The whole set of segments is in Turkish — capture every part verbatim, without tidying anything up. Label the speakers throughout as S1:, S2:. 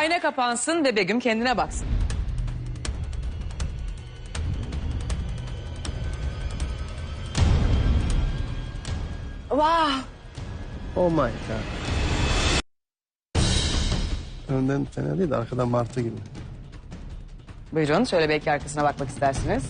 S1: Ayna kapansın ve Begüm kendine baksın. Wow.
S2: Oh my god. Önden fena değil de arkadan martı gibi.
S1: Buyurun şöyle belki arkasına bakmak istersiniz.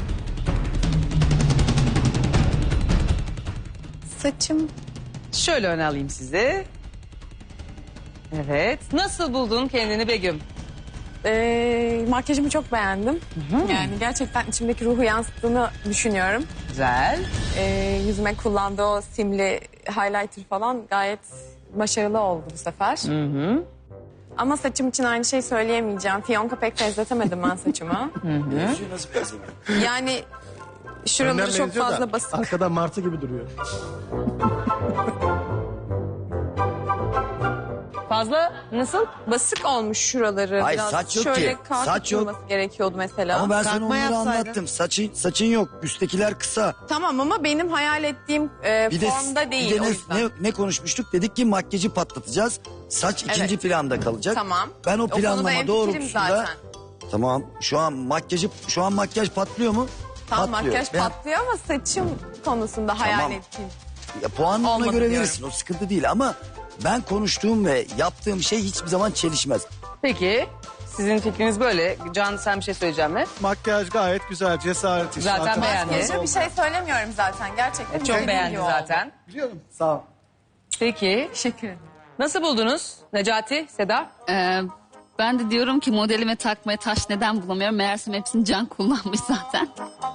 S3: Saçım.
S1: Şöyle öne alayım sizi. Evet. Nasıl buldun kendini Begüm?
S3: Ee, makyajımı çok beğendim. Yani gerçekten içimdeki ruhu yansıttığını düşünüyorum.
S1: Güzel.
S3: Ee, yüzüme kullandığı o simli highlighter falan gayet başarılı oldu bu sefer.
S1: Hı hı.
S3: Ama saçım için aynı şey söyleyemeyeceğim. Fiyonka pek benzetemedim ben saçımı.
S4: Benziyor, nasıl benzemiyor?
S3: Yani şuraları
S2: Önden
S3: çok
S2: benziyor da
S3: fazla basık.
S2: arkadan martı gibi duruyor.
S1: Fazla nasıl?
S3: Basık olmuş şuraları.
S4: Hayır,
S3: biraz.
S4: saç yok
S3: Şöyle
S4: ki.
S3: kalkık
S4: Saç yok.
S3: durması gerekiyordu mesela.
S4: Ama ben sana
S5: Takma
S4: onları
S5: yapsaydın.
S4: anlattım. Saçın, saçın yok. Üsttekiler kısa.
S3: Tamam ama benim hayal ettiğim e,
S4: Bir de,
S3: formda değil
S4: bir de
S3: o
S4: ne,
S3: yüzden.
S4: ne, ne konuşmuştuk? Dedik ki makyajı patlatacağız. Saç ikinci
S3: Evet.
S4: planda kalacak.
S3: Tamam.
S4: Ben o
S3: O konuda
S4: planlama
S3: hemfikirim
S4: doğrultusunda...
S3: zaten.
S4: Tamam. Şu an makyajı, şu an makyaj patlıyor mu?
S3: Tamam
S4: Patlıyor.
S3: makyaj
S4: Ben-
S3: patlıyor ama saçım konusunda hayal
S4: Tamam.
S3: ettiğim.
S4: Ya, puanını ona
S3: Olmadı
S4: göre
S3: diyorum.
S4: verirsin. O sıkıntı değil ama ben konuştuğum ve yaptığım şey hiçbir zaman çelişmez.
S1: Peki sizin fikriniz böyle. Can sen bir şey söyleyecek mi?
S2: Makyaj gayet güzel, cesaret işi.
S1: Zaten
S2: Arkadan-
S1: beğendi.
S3: Makyaja bir şey söylemiyorum zaten gerçekten.
S1: Çok
S3: güzel
S1: beğendi
S3: oldu.
S1: zaten.
S2: Biliyorum. Sağ ol.
S1: Peki
S3: Teşekkür ederim.
S1: nasıl buldunuz Necati, Seda?
S6: Ee, ben de diyorum ki modelime takmaya taş neden bulamıyorum. Meğersem hepsini Can kullanmış zaten.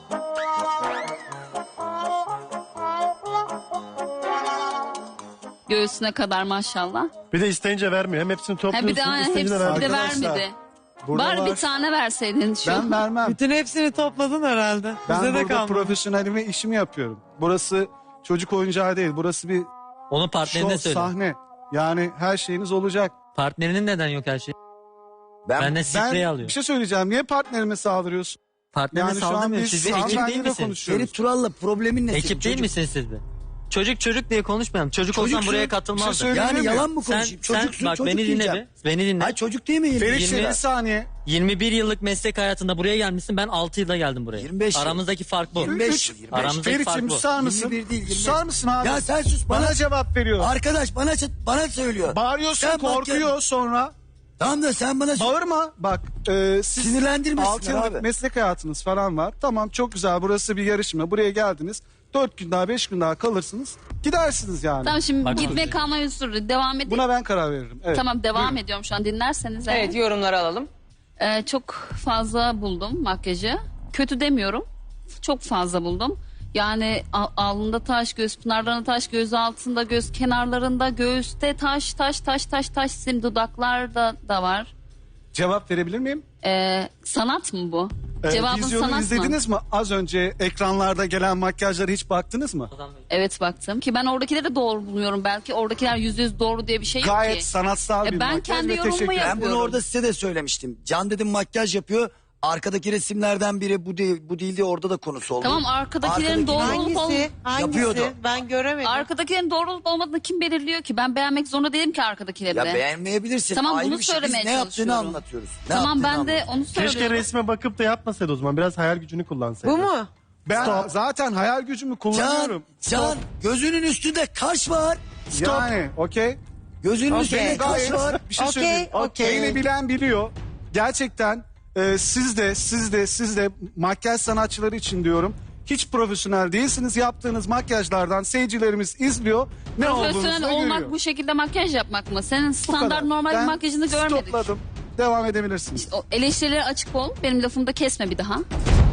S6: Göğsüne kadar maşallah.
S2: Bir de isteyince vermiyor. Hem hepsini
S6: Ha
S2: topluyorsun,
S6: bir de aynen
S2: isteyince
S6: hepsini
S2: de
S6: de
S2: vermiyor.
S6: vermedi.
S7: Burada
S6: Bari
S7: var.
S6: bir tane verseydin şu.
S7: Ben vermem.
S5: Bütün hepsini topladın herhalde.
S7: Ben
S5: Bize de
S7: burada
S5: kalmadı.
S7: profesyonelime işimi yapıyorum. Burası çocuk oyuncağı değil. Burası bir
S8: Onun partnerine
S7: show,
S8: söyle.
S7: sahne. Yani her şeyiniz olacak.
S8: Partnerinin neden yok her şey?
S4: Ben,
S8: Benden sprey
S7: Ben
S8: alıyor.
S7: bir şey söyleyeceğim. Niye partnerime saldırıyorsun?
S8: Partnerine
S7: Yani şu an
S8: saldırmıyor.
S7: biz
S8: Siz bir ekip değil
S7: hanımefendiyle
S8: misiniz?
S7: konuşuyoruz.
S4: Ferit Tural'la problemin ne?
S8: Ekip
S4: senin?
S8: değil
S4: Çocuk-
S8: misiniz siz de? Çocuk çocuk diye konuşmayalım. Çocuk,
S4: Çocuk
S8: olsan buraya
S4: şu-
S8: katılmazdı.
S7: bir şey söyle-
S4: Yani
S7: Öyle mi?
S4: yalan mı
S8: sen,
S4: konuşayım?
S8: sen
S4: Çocuksun,
S8: bak
S4: çocuk
S8: beni dinle
S4: diyeceğim.
S8: bir. Beni dinle.
S4: Hayır çocuk değil mi? yirmi,
S7: Ferit
S8: yirmi-
S7: bir saniye.
S8: yirmi bir yıllık meslek hayatında buraya gelmişsin. Ben altı yılda geldim buraya.
S4: yirmi beş yıl.
S8: Aramızdaki fark bu.
S4: yirmi beş yıl. yirmi beş.
S8: Aramızdaki
S7: Ferit'ciğim
S8: fark bu.
S7: susar mısın?
S4: yirmi bir değil, yirmi beş.
S7: Susar mısın abi?
S4: Ya sen sus bana.
S7: Bana cevap veriyor.
S4: Arkadaş bana bana söylüyor.
S7: Bağırıyorsun,
S4: Sen bak
S7: korkuyor
S4: ya.
S7: sonra.
S4: Tamam da sen bana
S7: Bağırma. Bak e, siz
S4: Sinirlendirmesinler
S7: altı yıllık
S4: abi.
S7: meslek hayatınız falan var. Tamam çok güzel, burası bir yarışma. Buraya geldiniz. Dört gün daha beş gün daha kalırsınız. Gidersiniz yani.
S6: Tamam şimdi
S8: Bak-
S6: gitme kalma usulü devam edeyim.
S7: Buna ben karar veririm. Evet.
S6: Tamam devam
S7: Buyurun.
S6: ediyorum şu an dinlerseniz. eğer.
S1: Evet yorumları alalım.
S6: Ee, çok fazla buldum makyajı. Kötü demiyorum. Çok fazla buldum. Yani al- alnında taş, göz pınarlarında taş, göz altında, göz kenarlarında, göğüste taş, taş, taş, taş, taş, sim dudaklarda da var.
S7: Cevap verebilir miyim?
S6: Ee, sanat mı bu?
S7: Ee,
S6: Cevabın
S7: vizyonu
S6: sanat mı?
S7: izlediniz mi? Az önce ekranlarda gelen makyajlara hiç baktınız mı?
S6: Evet baktım ki ben oradakileri de doğru buluyorum. Belki oradakiler yüzde yüz doğru diye bir şey yok
S7: Gayet
S6: ki.
S7: sanatsal
S6: E,
S7: bir
S6: ben
S7: makyaj
S6: kendi
S7: ve
S6: yorumumu
S7: teşekkür ederim.
S4: Ben bunu
S6: yapıyorum.
S4: orada size de söylemiştim. Can dedim makyaj yapıyor. Arkadaki resimlerden biri bu değil, bu değil diye orada da konusu oldu.
S6: Tamam arkadakilerin
S4: Arkadaki-
S6: doğru olup olmadığını...
S5: Hangisi? Hangisi?
S4: Yapıyordu.
S5: Ben göremedim.
S6: Arkadakilerin doğru olup olmadığını kim belirliyor ki? Ben beğenmek zorunda değilim ki arkadakileri
S4: Ya
S6: de.
S4: beğenmeyebilirsin.
S6: Tamam,
S4: Ayrı
S6: bunu
S4: bir şey. Biz
S6: söylemeye
S4: ne yaptığını
S6: çalışıyorum.
S4: anlatıyoruz. Ne
S6: Tamam
S4: yaptığını
S6: ben de
S4: anlatıyoruz.
S6: onu söylüyorum.
S2: Keşke resme bakıp da yapmasaydı o zaman. Biraz hayal gücünü kullansaydı.
S5: Bu mu?
S7: Ben zaten hayal gücümü
S4: Can,
S7: kullanıyorum.
S4: Can gözünün üstünde kaş var. Stop.
S7: Yani okey.
S4: Gözünün
S5: Okey.
S4: üstünde kaş
S7: Gayet
S4: var.
S7: bir şey
S5: Okey,
S7: söyleyeyim.
S5: okey.
S7: Beni bilen biliyor. Gerçekten e, siz de siz de siz de makyaj sanatçıları için diyorum. Hiç profesyonel değilsiniz. Yaptığınız makyajlardan seyircilerimiz izliyor. Ne olduğunuzu da
S6: Profesyonel olmak
S7: görüyor.
S6: bu şekilde makyaj yapmak mı? Senin
S7: Bu
S6: standart
S7: kadar.
S6: normal
S7: Ben
S6: bir makyajını görmedik.
S7: stopladım. Devam edebilirsiniz.
S6: O eleştirilere açık ol. Benim lafımı da kesme bir daha.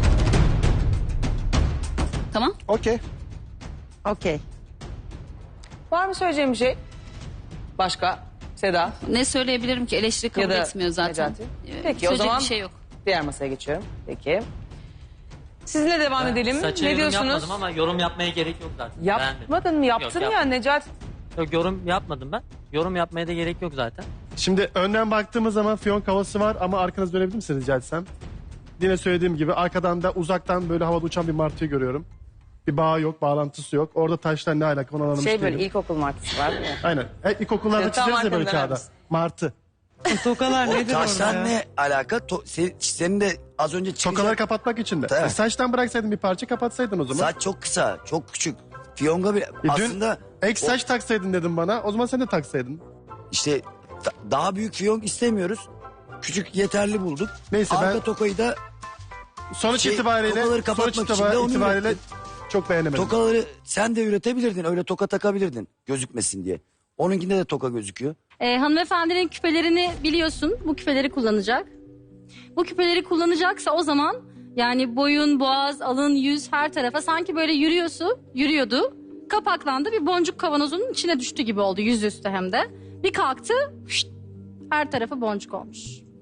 S6: Tamam.
S7: Okey.
S5: Okey.
S1: Var mı söyleyeceğim bir şey? Başka? Seda
S6: Ne söyleyebilirim ki? Eleştiri kabul
S1: ya da
S6: etmiyor zaten.
S1: Necati?
S6: Ee,
S1: Peki o
S6: söyleyecek
S1: zaman
S6: bir şey yok.
S1: diğer masaya geçiyorum. Peki. Sizinle devam edelim.
S8: Saça
S1: Ne
S8: yorum
S1: diyorsunuz?
S8: yapmadım ama yorum yapmaya gerek yok zaten. Beğenmedim.
S1: Yapmadın mı? Yaptın
S8: Yok,
S1: ya
S8: yapmadım.
S1: Necati.
S8: Yok, yorum yapmadım ben. Yorum yapmaya da gerek yok zaten.
S2: Şimdi önden baktığımız zaman fiyonk havası var ama arkanızı dönebilir misiniz rica etsem? Yine söylediğim gibi arkadan da uzaktan böyle havada uçan bir martıyı görüyorum. Bir bağı yok, bağlantısı yok. Orada taşlar ne alaka onu anlamış
S1: Şey böyle
S2: değilim.
S1: ilkokul martısı var değil mi?
S2: Aynen. E, ilkokullarda
S1: Tam
S2: çizeriz ya böyle
S1: arkadan
S2: kağıda.
S1: vermiş.
S2: Martı.
S5: Tokalar nedir
S4: Taştan
S5: orada?
S4: ne alaka? To- se- senin de az önce çıkacak.
S2: Tokaları kapatmak için de.
S4: Tabii.
S2: E, saçtan bıraksaydın bir parça kapatsaydın o zaman.
S4: Saç çok kısa, çok küçük. Fiyonga bir
S2: E, dün
S4: aslında
S2: ek saç taksaydın dedim bana. O zaman sen de taksaydın.
S4: işte da- daha büyük fiyonk istemiyoruz. Küçük yeterli bulduk.
S2: Neyse,
S4: Arka
S2: ben-
S4: tokayı da
S2: Sonuç
S4: Şey,
S2: itibariyle
S4: tokaları kapatmak
S2: sonuç
S4: için de onu
S2: itibariyle
S4: ürettim.
S2: çok beğenemedim.
S4: tokaları sen de üretebilirdin. Öyle toka takabilirdin gözükmesin diye. Onunkinde de toka gözüküyor.
S9: Ee, hanımefendinin küpelerini biliyorsun. Bu küpeleri kullanacak. Bu küpeleri kullanacaksa o zaman yani boyun, boğaz, alın, yüz her tarafa sanki böyle yürüyorsu, yürüyordu. Kapaklandı, bir boncuk kavanozunun içine düştü gibi oldu, yüzüstü hem de. Bir kalktı, şşt, her tarafı boncuk olmuş.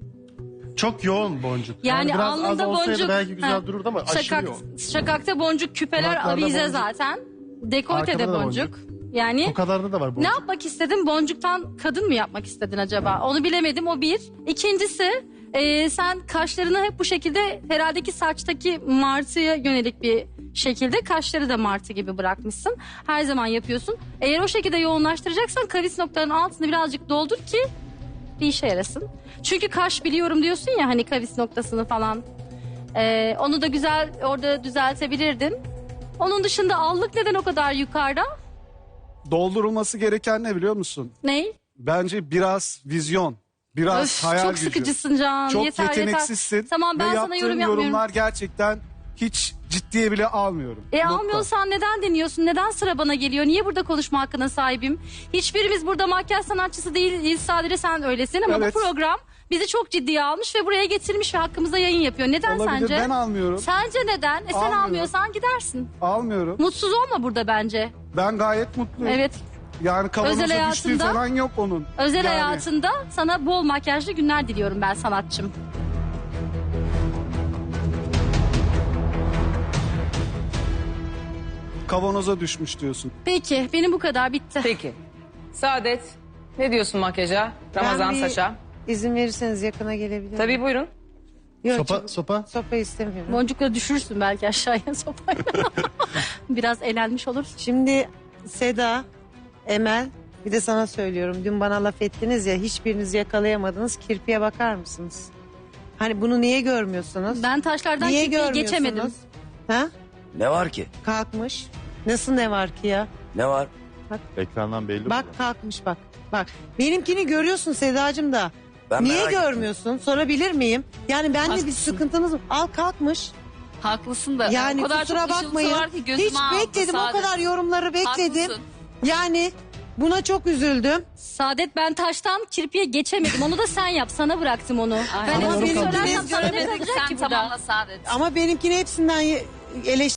S2: Çok yoğun boncuk.
S9: Yani,
S2: biraz az
S9: alnında
S2: olsaydı
S9: boncuk.
S2: belki güzel
S9: Ha,
S2: dururdu ama aşırı
S9: şakak,
S2: yoğun.
S9: şakakta boncuk, küpeler,
S2: Kulaklarda
S9: avize
S2: boncuk.
S9: zaten. Dekoltede
S2: Arkada da
S9: boncuk.
S2: boncuk.
S9: Yani
S2: O kadarda da var boncuk.
S9: ne yapmak istedin? Boncuktan kadın mı yapmak istedin acaba? Onu bilemedim, o bir. İkincisi e, sen kaşlarını hep bu şekilde herhalde ki saçtaki martıya yönelik bir şekilde kaşları da martı gibi bırakmışsın. Her zaman yapıyorsun. Eğer o şekilde yoğunlaştıracaksan kavis noktalarının altını birazcık doldur ki bir işe yarasın. Çünkü kaş biliyorum diyorsun ya hani kavis noktasını falan. E, onu da güzel orada düzeltebilirdin. Onun dışında allık neden o kadar yukarıda?
S7: Doldurulması gereken ne biliyor musun?
S9: Ney?
S7: Bence biraz vizyon, biraz
S9: Öf,
S7: hayal
S9: çok
S7: gücü.
S9: sıkıcısın Can.
S7: Çok
S9: yeter,
S7: yeteneksizsin.
S9: Yeter. Tamam, ben
S7: ve
S9: sana
S7: yaptığın
S9: yorum yapmıyorum.
S7: yorumlar gerçekten hiç ciddiye bile almıyorum.
S9: E
S7: Nokta.
S9: almıyorsan neden deniyorsun? Neden sıra bana geliyor? Niye burada konuşma hakkına sahibim? Hiçbirimiz burada makyaj sanatçısı değiliz. Sadece sen öylesin ama
S7: Evet.
S9: bu program bizi çok ciddiye almış ve buraya getirmiş ve hakkımıza yayın yapıyor. Neden
S7: Olabilir,
S9: sence?
S7: ben almıyorum.
S9: Sence neden? E sen
S7: Almıyorum.
S9: almıyorsan gidersin.
S7: Almıyorum.
S9: Mutsuz olma burada bence.
S7: Ben gayet mutluyum.
S9: Evet.
S7: Yani kavanoza
S9: Özel
S7: düştüğü
S9: hayatında-
S7: falan yok onun.
S9: Özel
S7: Yani
S9: hayatında sana bol makyajlı günler diliyorum ben sanatçım.
S7: Kavanoza düşmüş diyorsun.
S9: Peki benim bu kadar bitti.
S1: Peki. Saadet, ne diyorsun makyaja? Ramazan
S5: Ben bir
S1: saça.
S5: İzin verirseniz yakına gelebilir
S1: Tabii buyurun.
S5: Yok,
S2: Sopa,
S5: çok-
S2: sopa.
S5: sopa istemiyorum.
S9: Boncukla düşürsün belki aşağıya sopayla. Biraz elenmiş olursun.
S5: Şimdi Seda, Emel bir de sana söylüyorum. Dün bana laf ettiniz ya hiçbiriniz yakalayamadınız. Kirpiye bakar mısınız? Hani bunu niye görmüyorsunuz?
S9: Ben taşlardan
S5: niye
S9: kirpiği
S5: görmüyorsunuz?
S9: geçemedim.
S5: Ha?
S4: Ne var ki?
S5: Kalkmış. Nasıl ne var ki ya?
S4: Ne var?
S10: Ekrandan belli.
S5: Bak kalkmış bak. Bak benimkini görüyorsun Sedacığım da.
S4: Ben
S5: Niye
S4: merak ettim.
S5: görmüyorsun? Sorabilir miyim? Yani bende bir
S6: Haklısın.
S5: sıkıntınız mı? Al kalkmış.
S6: Haklısın da.
S5: Yani
S6: o kadar
S5: kusura
S6: çok ışıltısı
S5: bakmayın.
S6: var ki gözüme
S5: Hiç
S6: aldı
S5: bekledim o
S6: Saadet.
S5: kadar yorumları bekledim.
S6: Haklısın.
S5: Yani buna çok üzüldüm.
S9: Saadet ben taştan kirpiye geçemedim. Onu da sen yap. Sana bıraktım onu. Ben
S5: Ama
S9: hepsini
S5: benimki
S9: söylersem
S5: biz
S9: sana ne
S5: göremedik.
S9: kalacak
S6: Sen
S9: ki burada?
S6: tamamla Saadet.
S5: Ama benimkini hepsinden ye- eleş